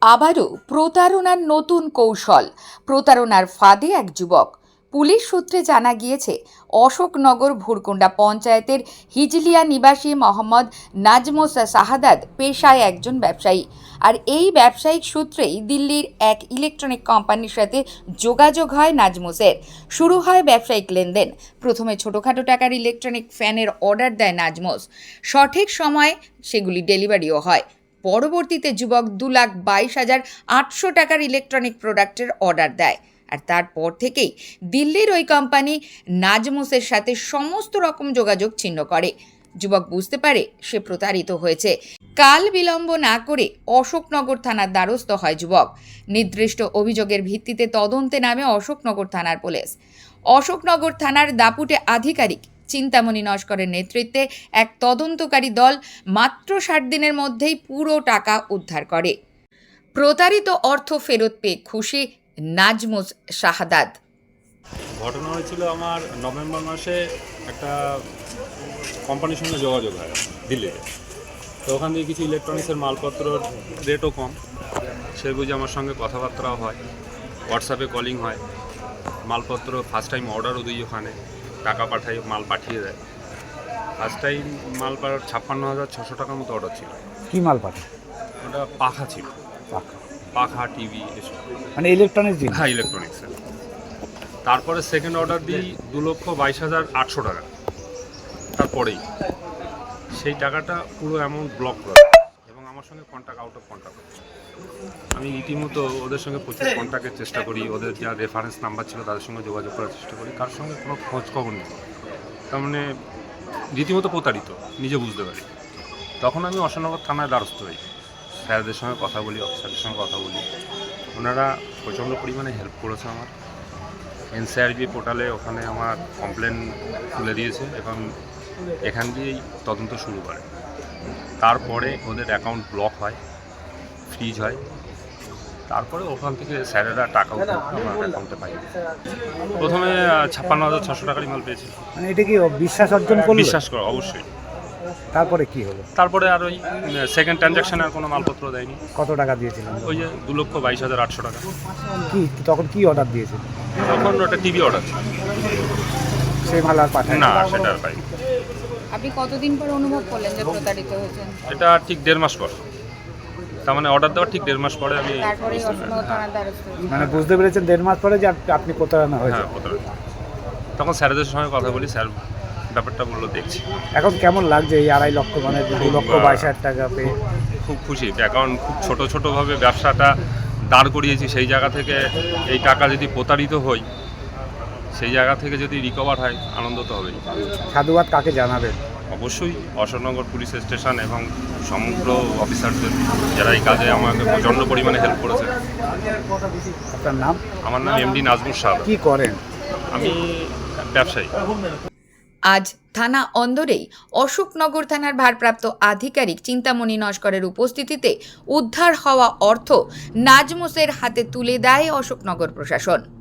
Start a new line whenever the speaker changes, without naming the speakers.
আবারও প্রতারণার নতুন কৌশল। প্রতারণার ফাঁদে এক যুবক। পুলিশ সূত্রে জানা গিয়েছে, অশোকনগর ভুরকুন্ডা পঞ্চায়েতের হিজলিয়া নিবাসী মোহাম্মদ নাজমুস শাহাদাত পেশায় একজন ব্যবসায়ী। আর এই ব্যবসায়িক সূত্রেই দিল্লির এক ইলেকট্রনিক কোম্পানির সাথে যোগাযোগ হয় নাজমুসের। শুরু হয় ব্যবসায়িক লেনদেন। প্রথমে ছোটোখাটো টাকার ইলেকট্রনিক ফ্যানের অর্ডার দেয় নাজমুস। সঠিক সময়ে সেগুলি ডেলিভারিও হয়। পরবর্তীতে যুবক 2,22,800 টাকার ইলেকট্রনিক প্রোডাক্টের অর্ডার দেয়। আর তারপর থেকেই দিল্লির ওই কোম্পানি নাজমুসের সাথে সমস্ত রকম যোগাযোগ ছিন্ন করে। যুবক বুঝতে পারে সে প্রতারিত হয়েছে। কাল বিলম্ব না করে অশোকনগর থানার দ্বারস্থ হয় যুবক। নির্দিষ্ট অভিযোগের ভিত্তিতে তদন্তে নামে অশোকনগর থানার পুলিশ। অশোকনগর থানার দাপুটে আধিকারিক চিন্তামণি নস্করের নেতৃত্বে এক তদন্তকারী দল মাত্র 60 দিনের মধ্যেই পুরো টাকা উদ্ধার করে। প্রতারিত অর্থ ফেরত পেয়ে খুশি নাজমুস শাহাদাত।
ঘটনা হয়েছিল আমার নভেম্বর মাসে একটা কোম্পানির সঙ্গে যোগাযোগ হয় দিল্লিতে। তো ওখান থেকে কিছু ইলেকট্রনিক্সের মালপত্রর রেটও কম, সে বুঝে আমার সঙ্গে কথাবার্তাও হয়, হোয়াটসঅ্যাপে কলিং হয়। মালপত্র ফার্স্ট টাইম অর্ডারও দিই, ওখানে টাকা পাঠাই, মাল পাঠিয়ে দেয়। ফার্স্ট টাইম মাল 56,600 টাকার মতো অর্ডার ছিল।
কি মাল পাঠায়?
ওটা পাখা ছিল, পাখা টিভি এসব,
মানে ইলেকট্রনিক্স জিনিস।
হ্যাঁ, ইলেকট্রনিক্সের। তারপরে সেকেন্ড অর্ডার দিই 2,22,800 টাকা। তারপরেই সেই টাকাটা পুরো অ্যামাউন্ট ব্লক করে এবং আমার সঙ্গে কন্ট্যাক্ট আউট অফ কন্ট্যাক্ট। আমি রীতিমতো ওদের সঙ্গে প্রচুর কন্ট্যাক্টের চেষ্টা করি, ওদের যা রেফারেন্স নাম্বার ছিল তাদের সঙ্গে যোগাযোগ করার চেষ্টা করি, কার সঙ্গে কোনো খোঁজ খবর নেই। তার মানে রীতিমতো প্রতারিত নিজে বুঝতে পারি। তখন আমি অশোকনগর থানায় দ্বারস্থ হই, স্যারদের সঙ্গে কথা বলি, অফিসারদের সঙ্গে কথা বলি। ওনারা প্রচণ্ড পরিমাণে হেল্প করেছে আমার। এনসিআরবি পোর্টালে ওখানে আমার কমপ্লেন তুলে দিয়েছে এবং এখান দিয়েই তদন্ত শুরু করে। তারপরে ওদের অ্যাকাউন্ট ব্লক হয়, ফ্রিজ হয়। তারপরে ওখান থেকে স্যারেরা টাকা উঠে আমার অ্যাকাউন্টে পাই। প্রথমে 56,600 টাকারই মাল পেয়েছি।
মানে এটা কি বিশ্বাস অর্জন করলো?
বিশ্বাস করো, অবশ্যই।
তারপরে কি হলো?
তারপরে আর ওই সেকেন্ড ট্রানজ্যাকশনে আর কোনো মালপত্র দেয়নি।
কত টাকা দিয়েছিলেন?
ওই যে 2,22,800 টাকা।
কি তখন কি অর্ডার দিয়েছিল?
তখন ওটা টিভি অর্ডার ছিল।
সেই মাল আর পাঠায়
না, সেটা আর পাইনি।
আপনি কতদিন পর অনুভব করলেন যে প্রতারিত হয়েছেন?
এটা ঠিক 1.5 মাস পর, তার মানে অর্ডার দেওয়ার ঠিক 1.5 মাস পরে আমি
তারপরেই অশোকনগর থানার দ্বারস্থ হয়েছেন।
মানে বুঝতে পেরেছেন 1.5 মাস পরে যে আপনি প্রতারণা হয়েছে?
হ্যাঁ, প্রতারিত। তখন স্যারদের সঙ্গে কথা বলি, স্যার ব্যাপারটা বললো দেখছি।
এখন কেমন লাগছে এই 2.5 লক্ষ মানে 2,22,000 টাকা পেয়ে?
খুব খুশি, কারণ খুব ছোটোভাবে ব্যবসাটা দাঁড় করিয়েছি। সেই জায়গা থেকে এই টাকা যদি প্রতারিত হই, সেই জায়গা থেকে যদি রিকভার হয়, আনন্দ তো হবেই।
সাধুবাদ কাকে জানাবেন?
অবশ্যই অশোকনগর পুলিশ স্টেশন এবং সমগ্র অফিসারদের, যারা এই কাজে আমাকে প্রচণ্ড পরিমাণে হেল্প করেছে।
আপনার নাম?
আমার নাম এমডি নাজমুস শাহাদাত।
কি করেন?
আমি ব্যবসায়ী।
আজ থানা অন্দরেই অশোকনগর থানার ভারপ্রাপ্ত আধিকারিক চিন্তামণি নস্করের উপস্থিতিতে উদ্ধার হওয়া অর্থ নাজমুসের হাতে তুলে দেয় অশোকনগর প্রশাসন।